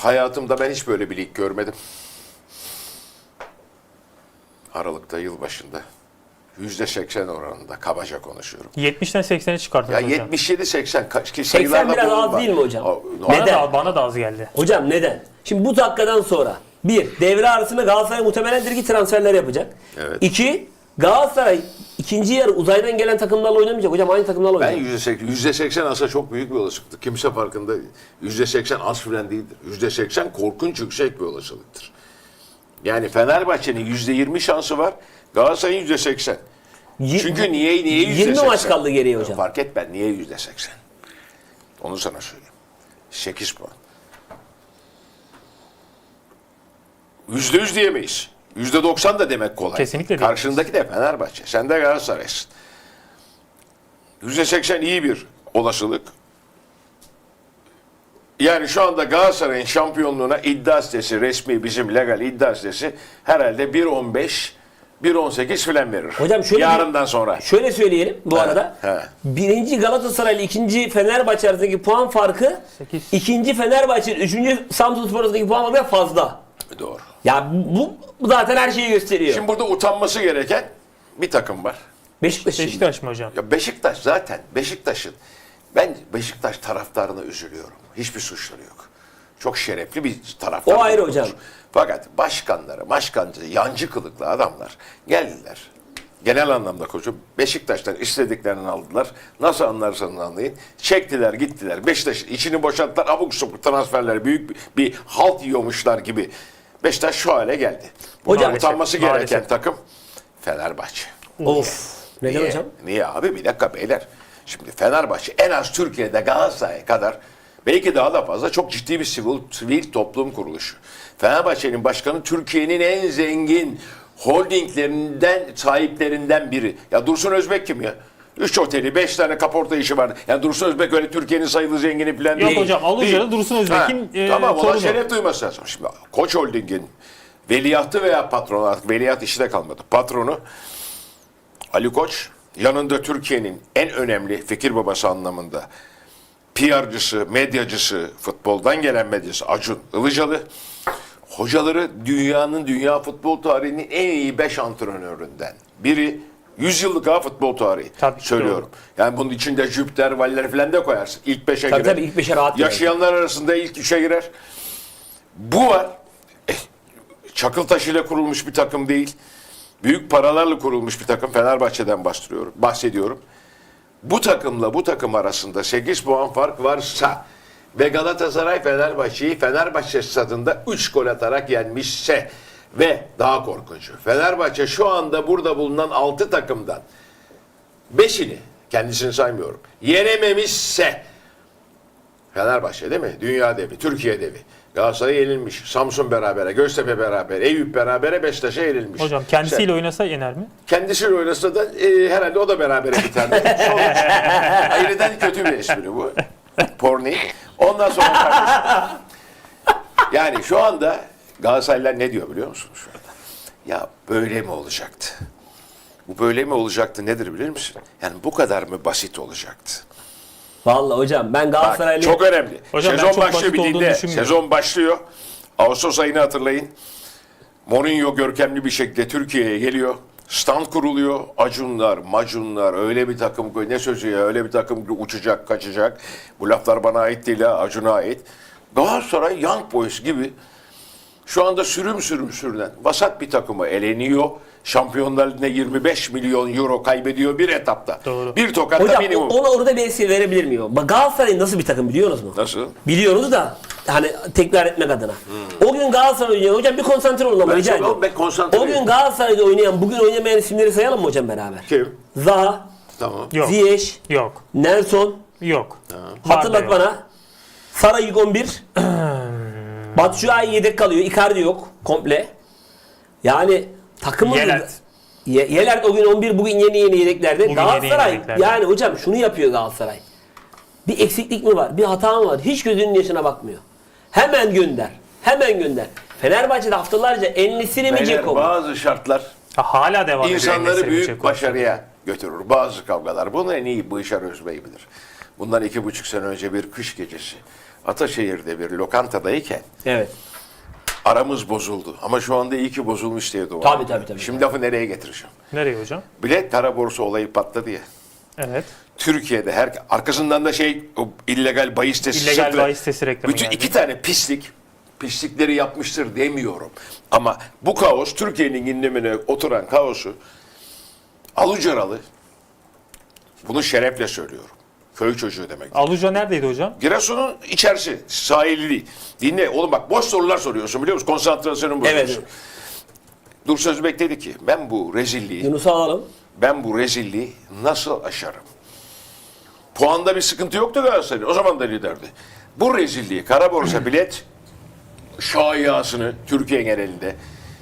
hayatımda ben hiç böyle bir lig görmedim. Aralık'ta, yılbaşında %80 oranında kabaca konuşuyorum. 70'ten 80'e çıkarttınız Ya hocam. 77-80 ki 80 sayılarla biraz az bulunma. değil mi hocam? Bana da az geldi. Hocam neden? Şimdi bu dakikadan sonra devre arasında Galatasaray muhtemelen direkt transferler yapacak. Evet. 2 Galatasaray ikinci yarı uzaydan gelen takımlarla oynamayacak. Hocam aynı takımlarla Ben oynayacak. %80 aslında çok büyük bir olasılıktır. Kimse farkında değil. %80 az filan değildir. %80 korkunç yüksek bir olasılıktır. Yani Fenerbahçe'nin %20 şansı var. Galatasaray'ın %80. Çünkü niye %80? 20 maç kaldı geriye hocam. Fark etmez. Niye %80? Onu sana söyleyeyim. 8 puan. %100 diyemeyiz. %90 da demek kolay. Kesinlikle değil. Karşındaki de Fenerbahçe. Sen de Galatasaray'sın. %80 iyi bir olasılık. Yani şu anda Galatasaray'ın şampiyonluğuna iddia sitesi, resmi bizim legal iddia sitesi herhalde 1.15, 1.18 filan verir. Hocam şöyle yarından sonra. Şöyle söyleyelim bu arada. he. Birinci Galatasaray ile ikinci Fenerbahçe arasındaki puan farkı 8. ikinci Fenerbahçe ile üçüncü Samsunspor arasındaki puan farkı fazla. Doğru. Ya bu zaten her şeyi gösteriyor. Şimdi burada utanması gereken bir takım var. Beşiktaş mı hocam? Ya Beşiktaş zaten ben Beşiktaş taraftarına üzülüyorum. Hiçbir suçları yok. Çok şerefli bir taraftar. O ayrı grubumuz. hocam. Fakat başkancı, yancı kılıklı adamlar geldiler. Genel anlamda koçum Beşiktaş'tan istediklerini aldılar. Nasıl anlarsanız anlayın. Çektiler gittiler. Beşiktaş içini boşalttılar. Abuk subuk transferler büyük bir halt yiyormuşlar gibi. Beşiktaş şu hale geldi. Buna Hocam, utanması gereken maalesef. takım Fenerbahçe. Of. Neden Niye? hocam? Niye abi? Bir dakika beyler. Şimdi Fenerbahçe en az Türkiye'de Galatasaray kadar belki daha da fazla çok ciddi bir sivil toplum kuruluşu. Fenerbahçe'nin başkanı Türkiye'nin en zengin holdinglerinden, sahiplerinden biri. Ya Dursun Özbek kim ya? 3 oteli, 5 tane kaporta işi var. Yani Dursun Özbek öyle Türkiye'nin sayılı zengini falan Yok değil. hocam, Aluca'da Değil. Dursun Özbek'in Tamam, ona torunu. şeref duyması lazım. Şimdi Koç Holding'in veliahtı veya patronu, artık veliaht işi de kalmadı. Patronu Ali Koç, yanında Türkiye'nin en önemli fikir babası anlamında PR'cısı, medyacısı, futboldan gelen medyası Acun Ilıcalı, hocaları dünya futbol tarihinin en iyi 5 antrenöründen biri. 100 yıllık futbol tarihi Tabii ki söylüyorum. Yani bunun içinde Jüpiter, Valler falan da koyarsın. İlk 5'e girer. Tabii ilk 5'e rahat girer. Yaşayanlar arasında ilk 3'e girer. Bu var. Çakıl taşıyla kurulmuş bir takım değil. Büyük paralarla kurulmuş bir takım. Fenerbahçe'den bahsediyorum. Bu takımla bu takım arasında 8 puan fark varsa ve Galatasaray Fenerbahçe'yi Fenerbahçe stadında 3 gol atarak yenmişse ve daha korkuncu. Fenerbahçe şu anda burada bulunan 6 takımdan 5'ini, kendisini saymıyorum, yenememişse Fenerbahçe değil mi? Dünya devi, Türkiye devi. Galatasaray yenilmiş. Samsun berabere, Göztepe beraber, Eyüp berabere, Beşiktaş'a yenilmiş. Hocam kendisiyle oynasa yener mi? Kendisiyle oynasa da herhalde o da berabere biterdi. Sonuç. Ayrıdan kötü bir espri bu. Porni. Ondan sonra kardeşim. Yani şu anda Galatasaraylılar ne diyor biliyor musunuz şu anda? Ya böyle mi olacaktı? Bu böyle mi olacaktı nedir bilir misin? Yani bu kadar mı basit olacaktı? Vallahi hocam ben Bak, Galatasaraylı... çok önemli. Hocam ben Sezon çok başlıyor, basit bir olduğunu dinle. düşünmüyorum. Sezon başlıyor. Ağustos ayını hatırlayın. Mourinho görkemli bir şekilde Türkiye'ye geliyor. Stand kuruluyor. Acunlar, macunlar, öyle bir takım, ne sözü ya, öyle bir takım uçacak, kaçacak. Bu laflar bana ait değil ha, Acun'a ait. Galatasaray Young Boys gibi şu anda sürünen vasat bir takımı eleniyor. Şampiyonlar Ligi'nde 25 milyon euro kaybediyor bir etapta. Doğru. Bir tokatta Hocam minimum. ona orada bir esir verebilir miyim? Bak Galatasaray nasıl bir takım biliyor musunuz? Nasıl? Biliyoruz da hani tekrar etmek adına. O gün Galatasaray oynayan hocam bir konsantre olun ama rica ediyorum. Ben konsantre O gün değilim. Galatasaray'da oynayan bugün oynamayan isimleri sayalım mı hocam beraber? Kim? Zaha, Tamam. Yok. Ziyech, Yok. Nelson, Yok. hatırlat Var da bana. Sara ilk 11. Batshuayi yedek kalıyor. Icardi yok komple. Yani takımın... Yelert. Yelert o gün 11, bugün yeni yedeklerde. Bugün Galatasaray yeni yedeklerde. yani hocam şunu yapıyor Galatasaray. Bir eksiklik mi var? Bir hata mı var? Hiç gözünün yaşına bakmıyor. Hemen gönder. Hemen gönder. Fenerbahçe'de haftalarca Enlisini mi Beyler, Ceko mu? bazı şartlar Hala devam ediyor. insanları Enes'le büyük Çeko. başarıya götürür. Bazı kavgalar. Bunu en iyi Bışar Özbey bilir. Bundan 2,5 sene önce bir kış gecesi. Ataşehir'de bir lokantadayken Evet. aramız bozuldu. Ama şu anda iyi ki bozulmuş diye dua Tabii, ediyorum. tabii. Şimdi lafı nereye getireceğim? Nereye hocam? Bilet kara borsa olayı patladı ya. Evet. Türkiye'de arkasından da o illegal bahis sitesi İllegal çıktı. bahis sitesi reklamı Bütün geldi. iki tane pislikleri yapmıştır demiyorum. Ama bu kaos, Türkiye'nin gündemine oturan kaosu alucaralı. Bunu şerefle söylüyorum. Köy çocuğu demek. Aluca neredeydi hocam? Giresun'un içerisi, sahili değil. Dinle oğlum, bak boş sorular soruyorsun, biliyor musun? Konsantrasyonun bozuyorsun. Evet. Dursun Özbek dedi ki ben bu Yunus'u alalım. rezilliği nasıl aşarım? Puanda bir sıkıntı yoktu Galatasaray'ın. O zaman da liderdi. Bu rezilliği, kara borsa bilet şayiasını Türkiye genelinde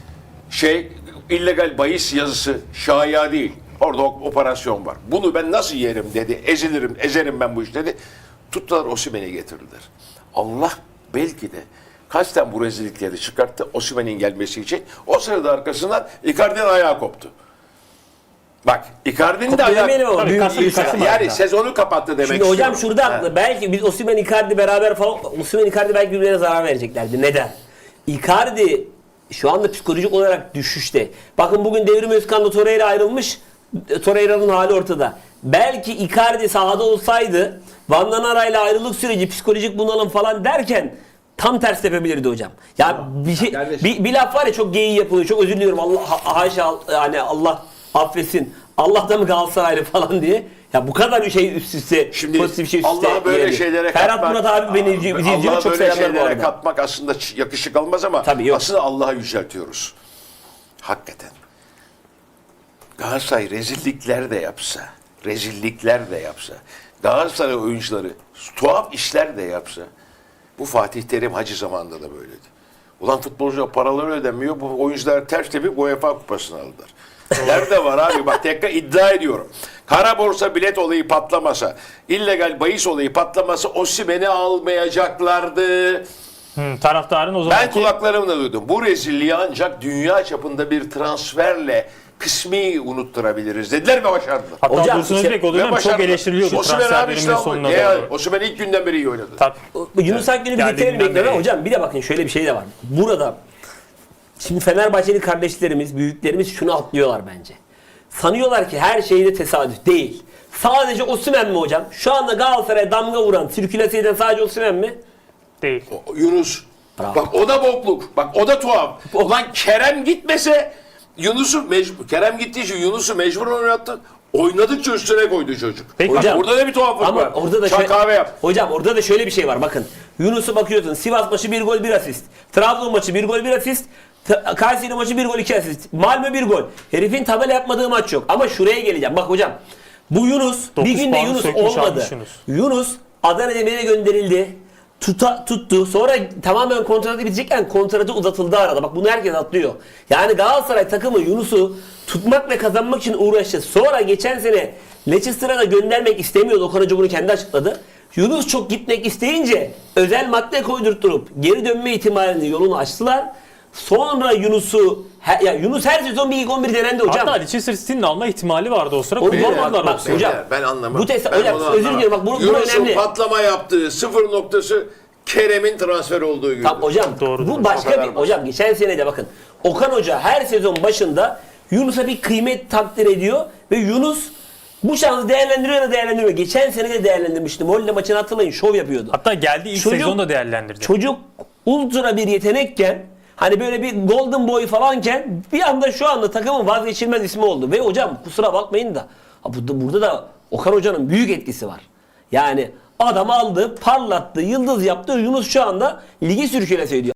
illegal bahis yazısı şaya değil. Orada operasyon var. Bunu ben nasıl yerim dedi. Ezerim ben bu iş dedi. Tuttular Osimhen'i getirdiler. Allah belki de kasten bu rezillikleri çıkarttı Osimhen'in gelmesi için. O sırada arkasından Icardi'nin ayağı koptu. Bak Icardi'nin de Koptu demeyelim ayağı... ama Tabii, büyük Kasım- bir Kasım Yani ayında. sezonu kapattı demek Şimdi hocam istiyorum. şurada haklı. Belki biz Osimhen Icardi beraber falan Osimhen Icardi belki birbirlerine zarar vereceklerdi. Neden? Icardi şu anda psikolojik olarak düşüşte. Bakın bugün Devrim Özkan'la Torreira ayrılmış. Torreira'nın hali ortada. Belki Icardi sahada olsaydı Van Danara'yla ayrılık süreci psikolojik bunalım falan derken tam ters tepebilirdi hocam. Ya bir laf var ya, çok geyiği yapılıyor. Çok özür diliyorum. Allah haşa, yani Allah affetsin. Allah da mı Galatasaraylı falan diye. Ya bu kadar bir şey üst üste, Şimdi pozitif şey üst üste. Allah'a böyle yani. şeylere Ferhat katmak, Murat abi beni izliyor. Allah'a Çok böyle selamlar bu şeylere arada. katmak aslında yakışık almaz ama Tabii yok. aslında Allah'a yüceltiyoruz. Hakikaten. Galatasaray rezillikler de yapsa, Galatasaray oyuncuları tuhaf işler de yapsa, bu Fatih Terim Hacı zamanında da böyleydi. Ulan futbolcuya paraları ödemiyor, bu oyuncular ters tepip UEFA kupasını aldılar. Nerede var abi? Bak tekrar iddia ediyorum. Kara borsa bilet olayı patlamasa, illegal bahis olayı patlamasa Osimhen'i almayacaklardı. Taraftarın o zaman Ben kulaklarımla duydum. Bu rezilliği ancak dünya çapında bir transferle kısmi unutturabiliriz dediler ve başardılar. Hatta Hocam, Dursun işte- Özbek o Ve dönem çok başardılar. eleştiriliyordu Osimhen transfer abi işte döneminin o. sonuna Ne ya? doğru. Osimhen ilk günden beri iyi oynadı. Tabii. Yunus Akgün'ü Geldiğinden birlikte bekliyorum beri. ama hocam bir de bakın şöyle bir şey de var. Burada şimdi Fenerbahçeli kardeşlerimiz, büyüklerimiz şunu atlıyorlar bence. Sanıyorlar ki her şeyde tesadüf değil. Sadece Osimhen mi hocam? Şu anda Galatasaray'a damga vuran, sirkülase eden sadece Osimhen mi? Değil. Yunus. Bravo. Bak o da bokluk. Bak o da tuhaf. Ulan Kerem gitmese Kerem gittiği için Yunus'u mecbur oynattı. Oynadıkça üstüne koydu çocuk. Peki Hocam, Orada da bir tuhaflık ama var. orada da Çay kahve yap. Hocam orada da şöyle bir şey var. Bakın Yunus'u bakıyorsun. Sivas maçı 1 gol 1 asist. Trabzon maçı 1 gol 1 asist. Kayseri maçı 1 gol 2 asist. Malmö 1 gol. Herifin tabela yapmadığı maç yok. Ama şuraya geleceğim. Bak hocam. Bu Yunus bir 9 günde puanı Yunus sökmüş, olmadı. almış Yunus. Yunus Adana Demir'e gönderildi. Tuttu. Sonra tamamen kontratı bitecekken kontratı uzatıldı arada. Bak bunu herkes atlıyor. Yani Galatasaray takımı Yunus'u tutmak ve kazanmak için uğraştı. Sonra geçen sene Leicester'a da göndermek istemiyordu. Okan Hoca bunu kendi açıkladı. Yunus çok gitmek isteyince özel madde koydurtturup geri dönme ihtimalini yolunu açtılar. Sonra Yunus her sezon bir ilk 11 denendi hocam. Hatta Leicester City'nin alma ihtimali vardı o sıra. O Kullanmadılar bak, Osimhen'i. hocam, Ben anlamam. hocam onu özür anlamam. diliyorum. Bak bu Yunus'un önemli. patlama yaptığı sıfır noktası Kerem'in transfer olduğu gün. Tamam hocam Doğrudur. bu O başka kadar bir basit. hocam geçen sene de bakın Okan Hoca her sezon başında Yunus'a bir kıymet takdir ediyor ve Yunus bu şansı değerlendiriyor. Geçen sene de değerlendirmişti. Molde maçını hatırlayın, şov yapıyordu. Hatta geldi ilk Çocuk- sezonda değerlendirdi. Çocuk ultra bir yetenekken hani böyle bir golden boy falanken bir anda şu anda takımın vazgeçilmez ismi oldu. Ve hocam kusura bakmayın da burada da Okan Hoca'nın büyük etkisi var. Yani adam aldı, parlattı, yıldız yaptı. Yunus şu anda ligi sürkülese ediyor.